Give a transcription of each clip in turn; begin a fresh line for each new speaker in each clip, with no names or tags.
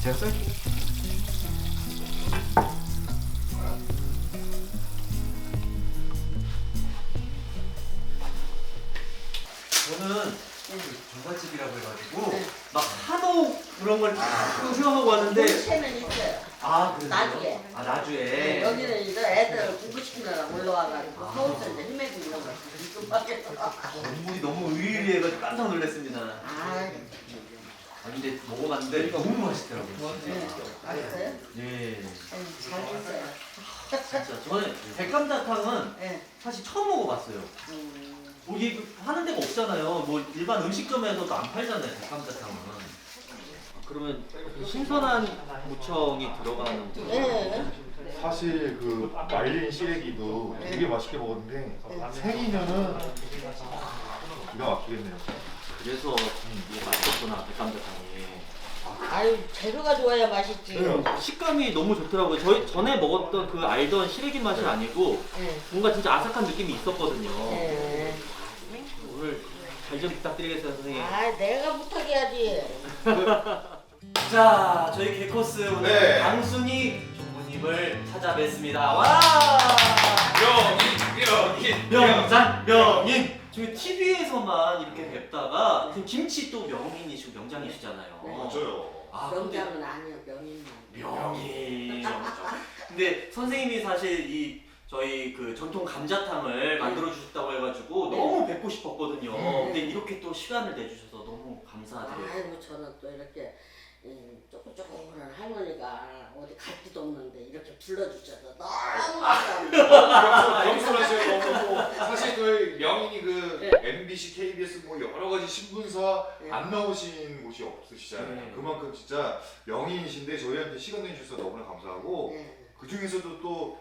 됐어요?
저는 전갈집이라고 해가지고 막 한옥 그런 걸 생각하고 왔는데
체는 있어요.
아 그래요?
나주에.
아 나주에
네, 여기는 이제 애들 공부시키느라 올라와가지고 서울서 이제 헤매고 있는 거지.
건물이 너무 의리해가지고 깜짝 놀랐습니다.
아,
근데 먹어봤는데 너무 맛있더라고요.
네. 맛있어요?
예.
네, 잘 됐어요.
진짜 저는 백감자탕은
네.
사실 처음 먹어봤어요. 뭐 이게 하는 데가 없잖아요. 뭐 일반 음식점에서도 안 팔잖아요. 백감자탕은. 그러면 신선한 무청이 들어가는
네.
사실 그 말린 시래기도 되게 맛있게 먹었는데 생이면은 기가 막히겠네요.
그래서 이게 맛있었구나 백감자탕이.
아유, 재료가 좋아야 맛있지.
식감이 너무 좋더라고요. 저희 전에 먹었던 그 알던 시래기 맛이 아니고
네.
뭔가 진짜 아삭한 느낌이 있었거든요.
네.
오늘 잘 좀 부탁드리겠습니다, 선생님.
아, 내가 부탁해야지.
자, 저희 개코스 오늘
네.
강순이 조부님을 찾아뵙습니다. 와! 명산 명인. 저희 TV에서만 이렇게 뵙다가 지금 김치 또 명인이시고 명장이시잖아요.
네.
맞아요.
아, 근데
명장은 아니요, 명인만.
명인. 근데 선생님이 사실 이 저희 그 전통 감자탕을 만들어 주셨다고 해가지고
네.
너무 뵙고 싶었거든요.
네.
근데 이렇게 또 시간을 내주셔서 너무 감사드려요.
아이고, 저는 또 이렇게 조그조그한 할머니가 어디 갈 데도 없는데 이렇게 불러주셔서 너무 감사합니다.
겸손하셔요. 너무. 사실 저희 명인이 그
네.
MBC, KBS 뭐 여러 가지 신분사
네.
안 나오신 곳이 없으시잖아요.
네.
그만큼 진짜 명인이신데 저희한테 시간 내주셔서 너무나 감사하고
네.
그 중에서도 또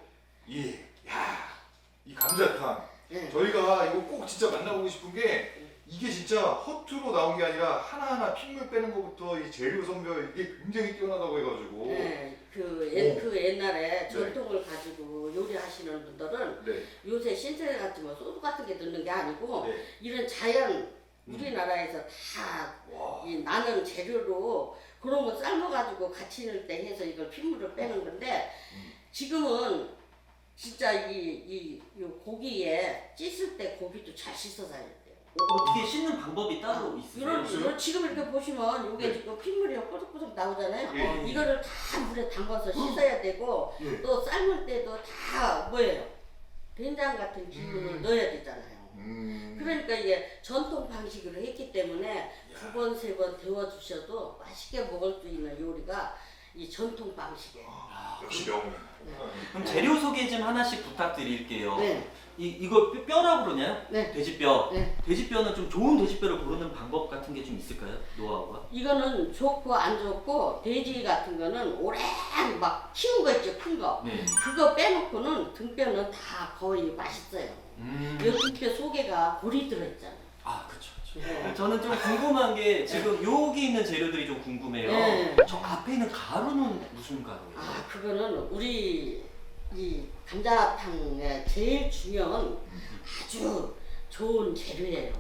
이 감자탕
네.
저희가 이거 꼭 진짜 만나보고 싶은 게 이게 진짜 허투루 나온 게 아니라 하나하나 핏물 빼는 것부터 이 재료 선별 이게 굉장히 뛰어나다고 해가지고
네, 그 옛날에 전통을 가지고 요리하시는 분들은
네.
요새 신세대 같은 뭐 소주 같은 게 넣는 게 아니고
네.
이런 자연 우리나라에서 다 이 나는 재료로 그런 거 삶아가지고 같이 넣을 때 해서 이걸 핏물을 빼는 건데 지금은 진짜 이 고기에 씻을 때 고기도 잘 씻어서 해야 돼요.
어떻게 씻는 방법이 따로 있으세요?
이런 지금 이렇게 보시면 이게
네.
지금 핏물이 뽀득뽀득 나오잖아요.
예.
이거를 다 물에 담가서 씻어야 되고
예.
또 삶을 때도 다 뭐예요? 된장 같은 기운을 넣어야 되잖아요. 그러니까 이게 전통 방식으로 했기 때문에 두 번, 세 번 데워주셔도 맛있게 먹을 수 있는 요리가 이 전통 방식이에요.
역시 명인.
그럼 재료 소개 좀 하나씩 부탁드릴게요.
네.
이거 뼈라고 그러나요?
네.
돼지뼈.
네.
돼지뼈는 좀 좋은 돼지뼈를 고르는 방법 같은 게 좀 있을까요? 노하우가?
이거는 좋고 안 좋고 돼지 같은 거는 오래 막 키운 거 있죠, 큰 거.
네.
그거 빼놓고는 등뼈는 다 거의 맛있어요. 이 등뼈 속에가 골이 들어있잖아요.
아, 그쵸.
네.
저는 좀 궁금한 게 지금 여기 있는 재료들이 좀 궁금해요.
네.
저 앞에 있는 가루는 무슨 가루예요?
아, 그거는 우리 이 감자탕의 제일 중요한 아주 좋은 재료예요.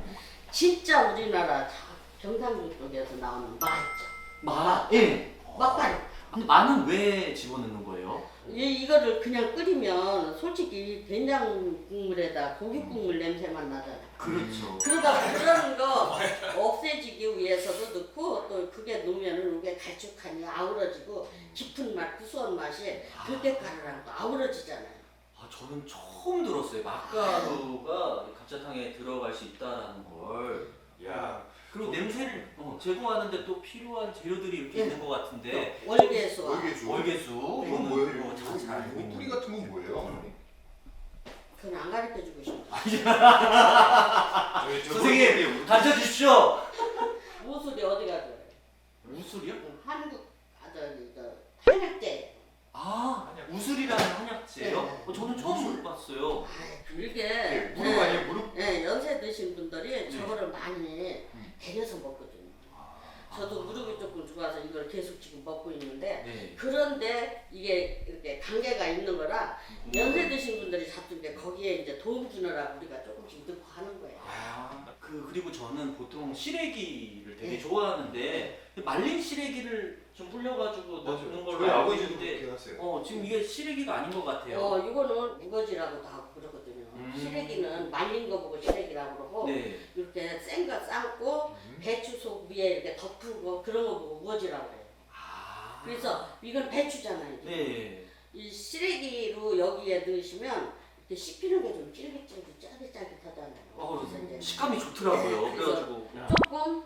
진짜 우리나라 경상도 쪽에서 나오는 마 있죠.
마? 예.
막가루.
근데 마는 왜 집어넣는 거예요?
이거를 그냥 끓이면 솔직히 된장 국물에다 고기 국물 냄새만 나잖아요.
그렇죠.
그러다 그런 거 없애지기 위해서도 넣고 또 그게 넣으면은 이게 갈쭉하니 아우러지고 깊은 맛, 구수한 맛이 들깨가루랑 또 아우러지잖아요.
아, 저는 처음 들었어요. 맛가루가 감자탕에 들어갈 수 있다는 걸.
야.
그리고 냄새를 제거하는데 또 필요한 재료들이 이렇게
네.
있는 것 같은데.
월계수와
월계수.
월계수.
이건 뭐예요?
잘 알고
이 뿌리 같은 건 뭐예요? 어머니?
그건 안 가르쳐주고 싶어.
선생님 가르쳐 주십시오.
무술이 어디 가죠?
우술이요?
한국 한약재.
아, 우술이라는 한약재요?
네.
저는 처음 들어봤어요.
이게
무릎 아니에요? 무릎?
네, 연세 드신 분들이 저거를 많이 데려서 먹거든요. 저도 무릎이 조금 좋아서 이걸 계속 지금 먹고 있는데
네.
그런데 이게 이렇게 관계가 있는 거라 연세 드신 분들이 잡수는데 거기에 이제 이제 도움 주느라고 우리가 조금씩 넣고 하는 거예요.
그리고 저는 보통 시래기를 되게
네.
좋아하는데 말린 시래기를 좀 불려가지고 넣는 걸로
저희
알고
아버지도
있는데
그렇게 하세요.
지금 이게 시래기가 아닌 것 같아요.
이거는 우거지라고도 하고 그러거든요. 시래기는 말린 거 보고 시래기라고 그러고
네.
이렇게 센 거 삶고 배추속 위에 이렇게 덮고 그런 거 보고 우거지라고 해요. 그래서 이건 배추잖아요. 이게.
네.
이 시래기로 여기에 넣으시면 이렇게 씹히는 게 좀 쫄깃쫄깃 짜릿짜릿하잖아요. 그래서 이제
식감이 좋더라고요.
네,
그래가지고
조금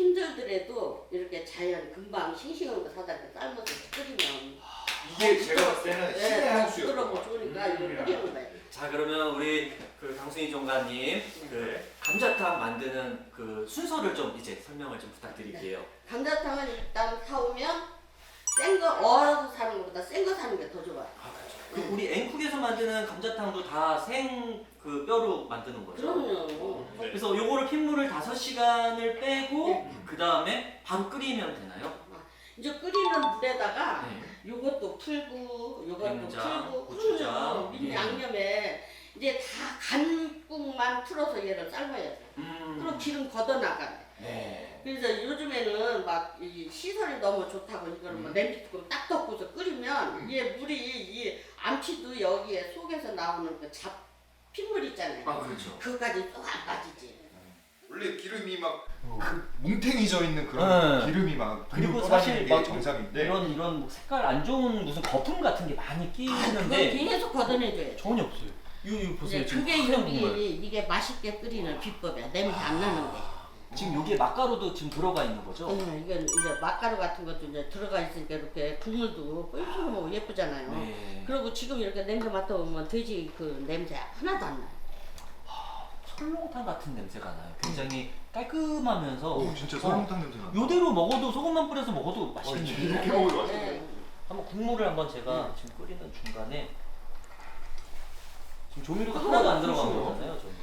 힘들더라도 이렇게 자연 금방 싱싱한 거 사다 이렇게 삶아서 끓이면
이게 제가 봤을 때는 신의 한 수요.
부드럽고 좋으니까 이거 끓이는 거예요.
자 그러면 우리 그 강순희 종가님 그 감자탕 만드는 그 순서를 좀 이제 설명을 좀 부탁드릴게요.
감자탕은 일단 사오면 센 거 얼어서 사는 것보다 센 거 사는 게 더 좋아요.
그 우리 앵쿡에서 만드는 감자탕도 다 생 그 뼈로 만드는 거죠?
그럼요.
그래서 요거를 핏물을 5시간을 빼고
네.
그 다음에 바로 끓이면 되나요?
이제 끓이는 물에다가
네.
요것도 풀고 요것도
된장,
풀고
고추장,
그러면 민
예.
양념에 이제 다 간국만 풀어서 얘를 삶아야 돼. 그럼 기름 걷어나가네.
네.
그래서 요즘에는 막 이 시설이 너무 좋다고 이걸 뭐 냄비 뚜껑 딱 덮고서 끓이면 얘 물이 이 암치도 여기에 속에서 나오는 그 핏물 있잖아요.
아 그렇죠.
그거까지 또 안 빠지지.
원래 기름이 막 뭉탱이 져 있는 그런
네.
기름이 막
그리고
떠다니는
사실
게
막
정상인데
이런 뭐 색깔 안 좋은 무슨 거품 같은 게 많이
그건
끼는데
계속 걷어내줘야 돼.
전혀 없어요. 이거 보세요.
이제
지금
그게
하얀 국물.
이게 맛있게 끓이는 비법이야. 냄새 안 나는 게.
지금 여기에 맛가루도 지금 들어가 있는 거죠?
이건 이제 맛가루 같은 것도 이제 들어가 있으니까 이렇게 국물도 뿔뿔 먹고 예쁘잖아요.
네.
그리고 지금 이렇게 냄새 맡아보면 돼지 그 냄새 하나도 안 나요.
설렁탕 같은 냄새가 나요. 굉장히 깔끔하면서
오 진짜 설렁탕 냄새 나.
요대로 먹어도 소금만 뿌려서 먹어도 맛있겠네요.
이렇게 먹어도 맛있어요.
네.
한번 국물을 한번 제가 지금 끓이는 중간에 지금 조미료가 하나도 안 들어간
그렇죠.
거잖아요. 저는.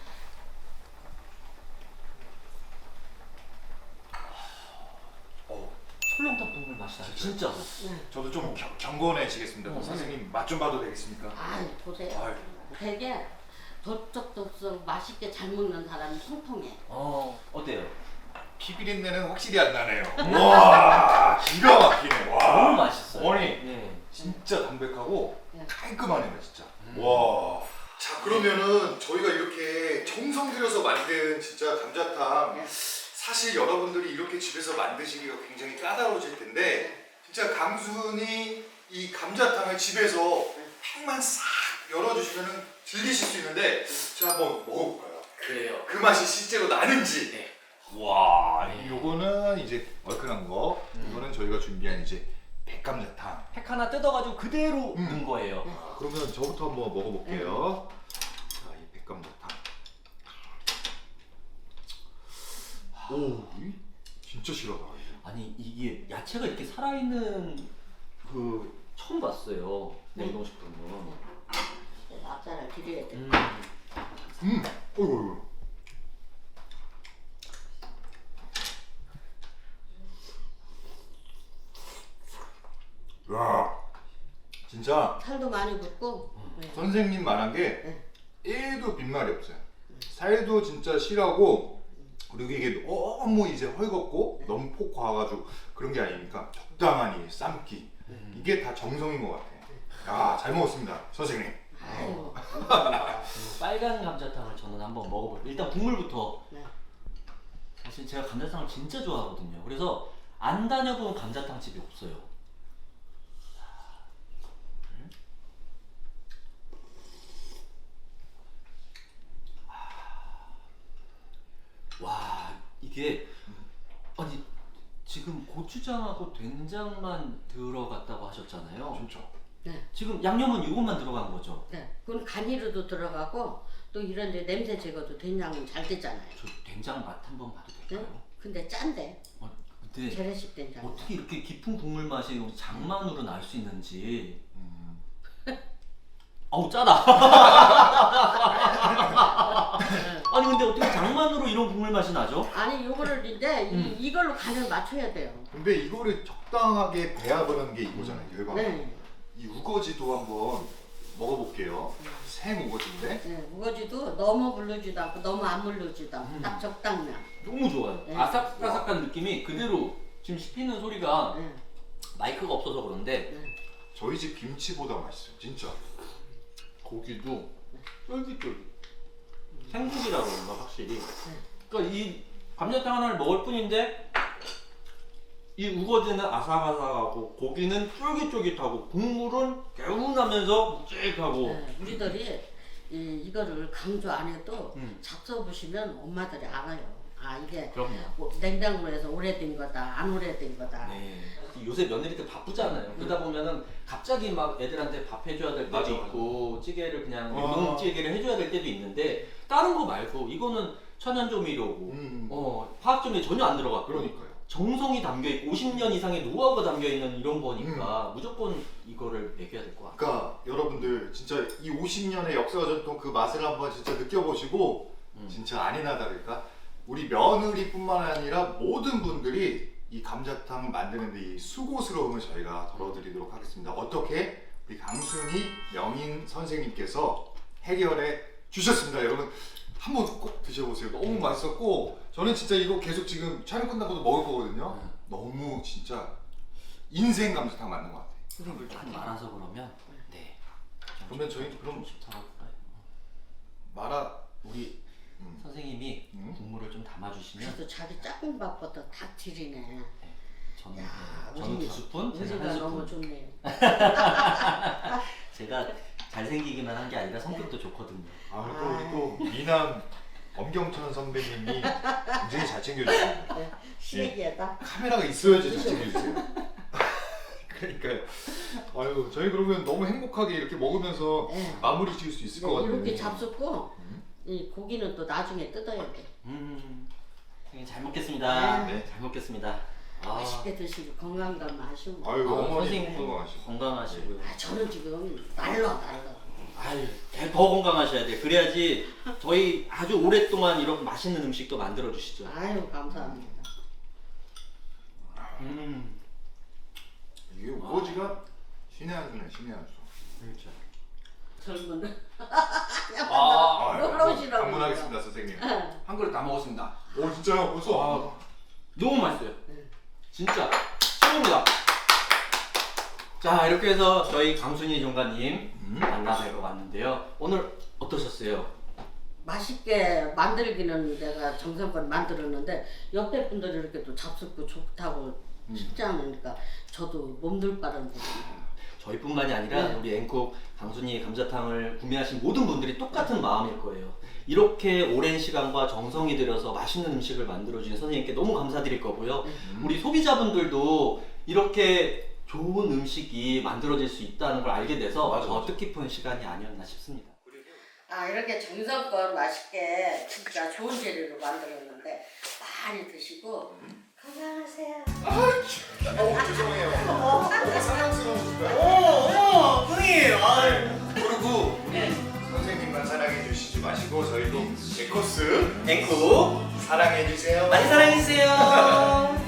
설렁탕 국물 맛이 나요. 진짜.
저도 좀 경건해지겠습니다. 선생님 맛 좀 봐도 되겠습니까?
아, 보세요.
아유.
되게 덥석덥석 맛있게 잘 먹는 사람이 통통해.
어때요?
피비린내는 확실히 안 나네요. 와 기가 막히네.
너무
와
맛있어요.
어머니
네.
진짜 담백하고
네.
깔끔하네요 진짜. 와. 자 그러면은 저희가 이렇게 정성 들여서 만든 진짜 감자탕
네.
사실 여러분들이 이렇게 집에서 만드시기가 굉장히 까다로워질 텐데 진짜 강순이 이 감자탕을 집에서 팩만 싹 열어주시면은 즐기실 수 있는데 제가 한번 먹어볼까요?
그래요.
그 맛이 실제로 나는지.
네.
와,
네.
요거는 이제 얼큰한 거. 이거는 저희가 준비한 이제 백감자탕.
팩 하나 뜯어가지고 그대로
음.
넣은 거예요.
그러면 저부터 한번 먹어볼게요. 자, 이 백감자탕. 오, 진짜 실하다.
아니 이게 야채가 이렇게 살아있는 그 처음 봤어요. 냉동식품은.
그래서 앞살을 드려야 돼.
어이구. 야, 진짜
살도 많이 붓고. 네.
선생님 말한 게 1도 빈말이 없어요. 살도 진짜 실하고 그리고 이게 너무 이제 헐겁고 너무 폭 과가지고 그런 게 아니니까 적당한 이 삶기 이게 다 정성인 것 같아요. 야, 잘 먹었습니다, 선생님.
아이고.
빨간 감자탕을 저는 한번 먹어볼게요. 일단 국물부터.
네.
사실 제가 감자탕을 진짜 좋아하거든요. 그래서 안 다녀본 감자탕 집이 없어요. 와 이게 아니 지금 고추장하고 된장만 들어갔다고 하셨잖아요.
진짜.
네.
지금 양념은 이것만 들어간 거죠?
네. 그건 간이로도 들어가고 또 이런 데 냄새 제거도 된장은 잘 되잖아요.
저 된장 맛 한번 봐도 될까요?
네? 근데 짠데.
근데
재래식 된장.
어떻게 이렇게 깊은 국물 맛이 장만으로 날 수 있는지. 어우 짜다. 아니 근데 어떻게 장만으로 이런 국물 맛이 나죠?
아니 요거를 이제 이걸로 간을 맞춰야 돼요.
근데 이거를 적당하게 배합하는 게 이거잖아요, 열방.
네.
이 우거지도 한번 먹어볼게요. 생 우거지인데.
네, 우거지도 너무 물르지도 않고 너무 안 물르지도 않고 딱 적당량.
너무 좋아요.
네.
아삭아삭한 느낌이 그대로 지금 씹히는 소리가
네.
마이크가 없어서 그런데
네.
저희 집 김치보다 맛있어요, 진짜.
고기도 쫄깃쫄깃. 생고기라 그런가 확실히. 그러니까 이 감자탕 하나를 먹을 뿐인데 이 우거지는 아삭아삭하고 고기는 쫄깃쫄깃하고 국물은 개운하면서 묵직하고.
네, 우리들이 이거를 강조 안 해도
음.
잡숴 보시면 엄마들이 알아요. 아 이게
그럼요.
냉장고에서 오래된 거다, 안 오래된 거다.
네. 요새 며느리들 바쁘잖아요. 그러다 보면은 갑자기 막 애들한테 밥 해줘야 될 때도
맞아,
있고 찌개를 그냥
아.
냉동찌개를 해줘야 될 때도 있는데 다른 거 말고 이거는 천연조미료고 화학조미료 전혀 안 들어갔고
그러니까요.
정성이 담겨 있고 50년 이상의 노하우가 담겨 있는 이런 거니까 무조건 이거를 먹여야 될 것 같아요.
그러니까 여러분들 진짜 이 50년의 역사와 전통 그 맛을 한번 진짜 느껴보시고 진짜 아니나 다를까 우리 며느리뿐만 아니라 모든 분들이 이 감자탕 만드는데 이 수고스러움을 저희가 덜어드리도록 하겠습니다. 어떻게 우리 강순희 명인 선생님께서 해결해 주셨습니다. 여러분 한번 꼭 드셔보세요. 너무 맛있었고 저는 진짜 이거 계속 지금 촬영 끝나고도 먹을 거거든요. 너무 진짜 인생 감자탕 맞는 것 같아요.
흐름을 딱 말아서 그러면 네.
그러면 저희 그럼 말아
우리 선생님이 국물을 좀 담아주시면
그래도 자기 짝꿍밥보다 다 지리네.
저는
야,
저는
우리-
2스푼, 제가
우리가
1스푼.
너무 좋네.
제가 잘생기기만 한 게 아니라 성격도 좋거든요.
또 우리 또 미남 엄경천 선배님이 굉장히 잘 챙겨주시고
시래기에다.
카메라가 있어야지 잘 챙겨주세요. 그러니까요. 아유 저희 그러면 너무 행복하게 이렇게 먹으면서
네.
마무리 지을 수 있을 것 같아요.
이렇게 잡숫고 이 고기는 또 나중에 뜯어야 돼.
선생님 잘 먹겠습니다.
네.
잘 먹겠습니다.
맛있게 드시고 건강감 마시고.
아유 어머니
선생님
건강하시고.
건강하시고요.
저는 지금 날라.
아유, 더 건강하셔야 돼요. 그래야지 저희 아주 오랫동안 이런 맛있는 음식도 만들어 주시죠.
아유 감사합니다.
이게 우거지가 신의 한 수네 신의 한 수.
그렇죠.
젊은.
아,
놀러오시라고.
방문하겠습니다 선생님.
한 그릇 다 먹었습니다.
오 진짜요? 벌써?
너무 맛있어요. 진짜 최고입니다. 자, 이렇게 해서 저희 강순희 종가님 만나뵈러 왔는데요. 오늘 어떠셨어요?
맛있게 만들기는 내가 정성껏 만들었는데 옆에 분들이 이렇게 또 잡숫고 좋다고 쉽지 않으니까 저도 몸둘 바른 부분이에요.
저희뿐만이 아니라
네.
우리 앵콕 강순희 감자탕을 구매하신 모든 분들이 똑같은 마음일 거예요. 이렇게 오랜 시간과 정성이 들여서 맛있는 음식을 만들어주신 선생님께 너무 감사드릴 거고요. 우리 소비자분들도 이렇게 좋은 음식이 만들어질 수 있다는 걸 알게 돼서
맞아,
더
맞아.
뜻깊은 시간이 아니었나 싶습니다.
아 이렇게 정성껏 맛있게 진짜 좋은 재료로 만들었는데 많이 드시고 건강하세요.
죄송해요. 너무 사랑스러우니까.
선생님!
그리고
네.
선생님만 사랑해 주시지 마시고 저희도 에코스
앵콕
사랑해 주세요.
많이 사랑해주세요.